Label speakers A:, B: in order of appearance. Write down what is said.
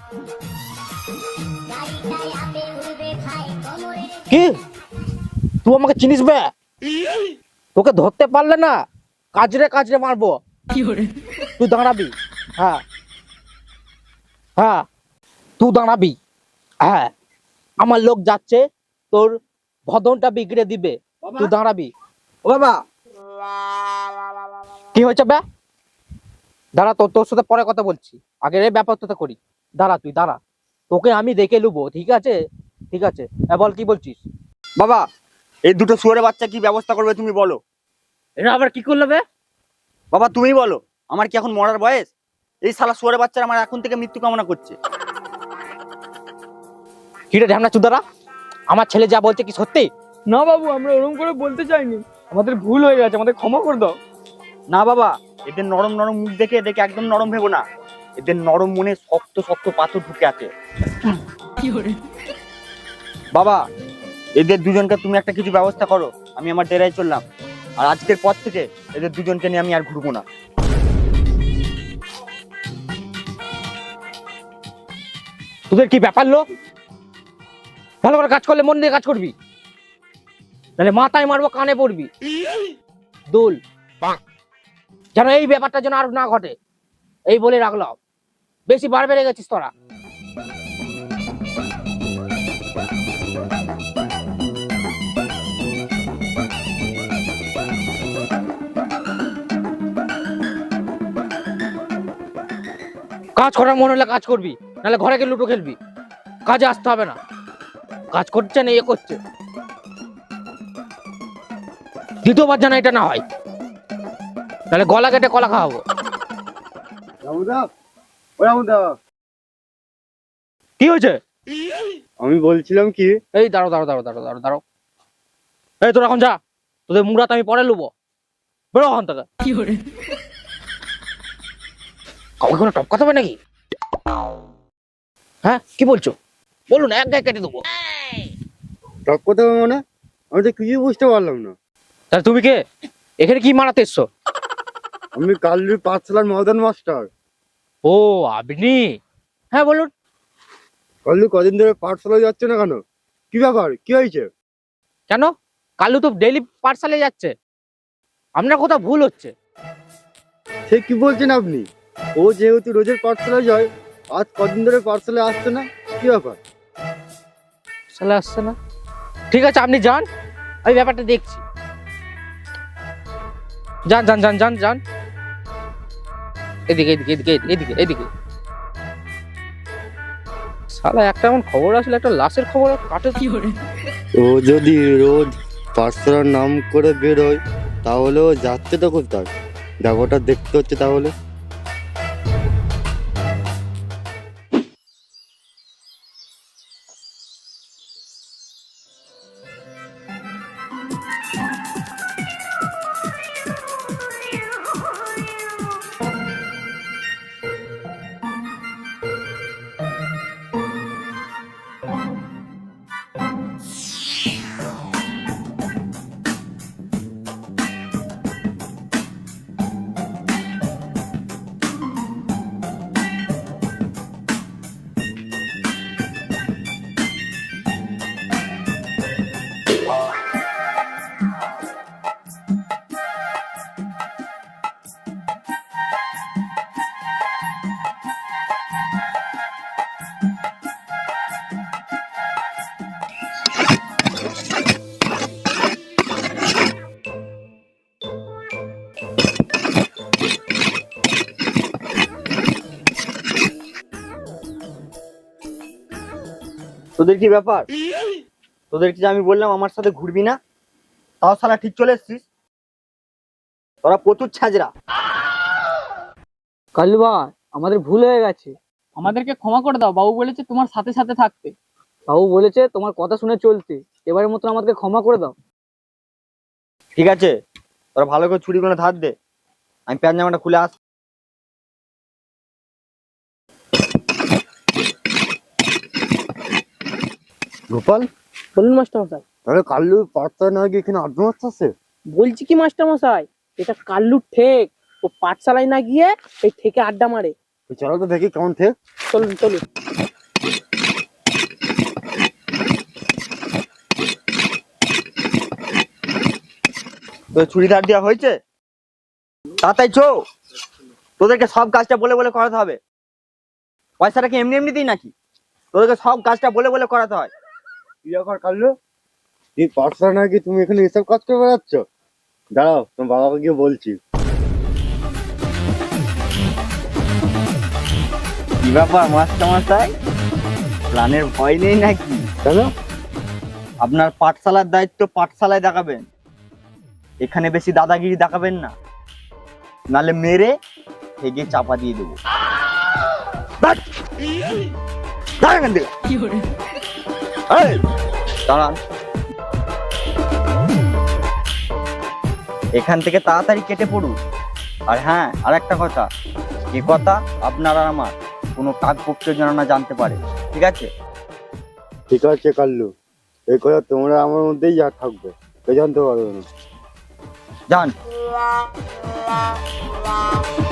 A: কি তুই আমাকে চিনিস বে? তোকে ধরতে পারলে না কাজরে কাজরে মারবো। তুই দাঁড়াবি। হ্যাঁ হ্যাঁ তুই দাঁড়াবি। হ্যাঁ আমার লোক যাচ্ছে, তোর ভদনটা বিগড়ে দিবে। তুই দাঁড়াবি।
B: ও বাবা,
A: কি হয়েছে বে? দাঁড়া, তোর সাথে পরে কথা বলছি, আগে এই ব্যাপারটা করি। দাঁড়া, তুই দাঁড়া, তোকে আমি দেখে নেবো। ঠিক আছে ঠিক আছে, বল কি বলছিস?
B: বাবা এই দুটো শুয়োরের বাচ্চা কি ব্যবস্থা করবে তুমি বলো।
A: এটা আবার কি করলে বে?
B: বাবা তুমি বলো, আমার কি এখন মরার বয়স? এই শালা শুয়োরের বাচ্চারা আমার এখন থেকে মৃত্যু কামনা করছে।
A: কি রে ঢ্যামনা চুদারা, আমার ছেলে যা বলছে কি সত্যি?
C: না বাবু, আমরা ওরকম করে বলতে চাইনি, আমাদের ভুল হয়ে গেছে, আমাদের ক্ষমা করে দাও।
B: না বাবা, এদের নরম নরম মুখ দেখে এদেরকে একদম নরম ভেবো না। এদের নরম মনে শক্ত শক্ত পাথর ঢুকে আছে। বাবা এদের দুজনকে তুমি একটা কিছু ব্যবস্থা করো, আমি আমার ডেরায় চললাম। আর আজকের পর থেকে এদের দুজনকে নিয়ে আমি আর ঘুরবো না।
A: তোদের কি ব্যাপার লো? ভালো করে কাজ করলে মন দিয়ে কাজ করবি, তাহলে মাথায় মারবো কানে পড়বি। দুল যেন এই ব্যাপারটা যেন আর না ঘটে, এই বলে রাখলাম। বেশি বার বেড়ে গেছিস তোরা। কাজ করার মনে হলে কাজ করবি, নাহলে ঘরে গিয়ে লুডো খেলবি। কাজে আসতে হবে না। কাজ করছে না, এ করছে। দ্বিতীয়বার যেন এটা না হয়, তাহলে গলা কেটে কলা খাওয়াবো। কি হয়েছে?
D: আমি বলছিলাম কি,
A: এই দাঁড়ো দাঁড়ো দাঁড়ো দাঁড়ো দাঁড়ো দাঁড়ো। এই তোর এখন যা, তোদের মুরাত আমি পরে লুবো। বেরো ওখান থেকে। কাউকে কোনো টপকাতে হবে নাকি? হ্যাঁ কি বলছো বলুন, এক গায়ে কেটে দেবো।
D: টক কথা মানে আমি তো কিছুই বুঝতে পারলাম না।
A: তাহলে তুমি কে? এখানে কি মারাতে এসছো?
D: আমি কাল্লুর পাঠশালার মদন মাস্টার।
A: ও আপনি? হ্যাঁ বলুন।
D: কাল্লু কদিন ধরে পাঠশালায় যাচ্ছে না কেন? কি ব্যাপার, কি হয়েছে?
A: কেন? কালু তো ডেইলি পাঠশালায় যাচ্ছে, আপনার কোথাও ভুল হচ্ছে।
D: সে কি বলছেন আপনি? ও যেহেতু রোজের পাঠশালায় যায়, আজ কদিন ধরে পাঠশালায় আসছে না, কি ব্যাপার?
A: পাঠশালা আসছে না? ঠিক আছে আপনি যান, আমি ব্যাপারটা দেখছি। যান যান যান যান যান, এদিকে এদিকে এদিকে এদিকে এদিকে। শালা একটা এমন খবর আসলে, একটা লাশের খবর কাটে কি করে।
D: ও যদি রোজ পাঠশালার নাম করে বেরোয়, তাহলে ও যাচ্ছে তো কোথায়? ব্যাপারটা দেখতে হচ্ছে তাহলে।
B: তোদের কি ব্যাপার? তোদেরকে যে আমি বললাম আমার সাথে ঘুরবি না, তাও শালা ঠিক চলে এসছিস। তোরা প্রচুর ছাজরা।
C: কাল্লু ভাই, আমাদের ভুল হয়ে গেছে, আমাদেরকে ক্ষমা করে দাও। বাবু বলেছে তোমার সাথে সাথে থাকতে, বাবু বলেছে তোমার কথা শুনে চলতে। এবারের মতন আমাদেরকে ক্ষমা করে দাও।
B: ঠিক আছে, তোরা ভালো করে ছুরিগুলো ধার দে, আমি প্যান্ট জামাটা খুলে আস।
D: গোপাল,
C: বলুন মাস্টার মশাই।
D: তাহলে কাল্লু পাঠশালা না গিয়ে এখানে আড্ডা মারতে আসছে?
C: বলছি কি মাস্টার মশাই, এটা কাল্লুর ঠেক। ও পাঠশালায় না গিয়ে এই থেকে আড্ডা মারে।
D: তো চলো তো দেখি কেমন থেকে।
C: চলুন চলুন।
B: তো চুড়িদার দেওয়া হয়েছে, তাতাই চো, তোদেরকে সব কাজটা বলে বলে করাতে হবে। পয়সাটা কি এমনি এমনি দিই নাকি? তোদেরকে সব কাজটা বলে বলে করাতে হয়।
D: কি ব্যাপার কাল্লু, এই পাঠশালা নাকি তুমি এখানে এসব কাজ করে বেড়াচ্ছ? দাঁড়াও, তোমার বাবাকে গিয়ে বলছি।
B: কি ব্যাপার মাস্টারমশাই, প্ল্যানের ভয় নেই নাকি?
D: কেন?
B: আপনার পাঠশালার দায়িত্ব পাঠশালায় দেখাবেন, এখানে বেশি দাদাগিরি দেখাবেন না, নালে মেরে হেগে চাপা দিয়ে দেবো। দাঁড়! দাঁড় এখান থেকে। এই, দাঁড়ান। এখান থেকে তাড়াতাড়ি কেটে পড়ুন। আর হ্যাঁ, আর একটা কথা, এ কথা আপনার আর আমার কোনো কাকপক্ষ যেন না জানতে পারে, ঠিক আছে?
D: ঠিক আছে কাল্লু, এই কথা তোমরা আমার মধ্যেই যা থাকবে, কেউ জানতে পারবে না।
B: যান।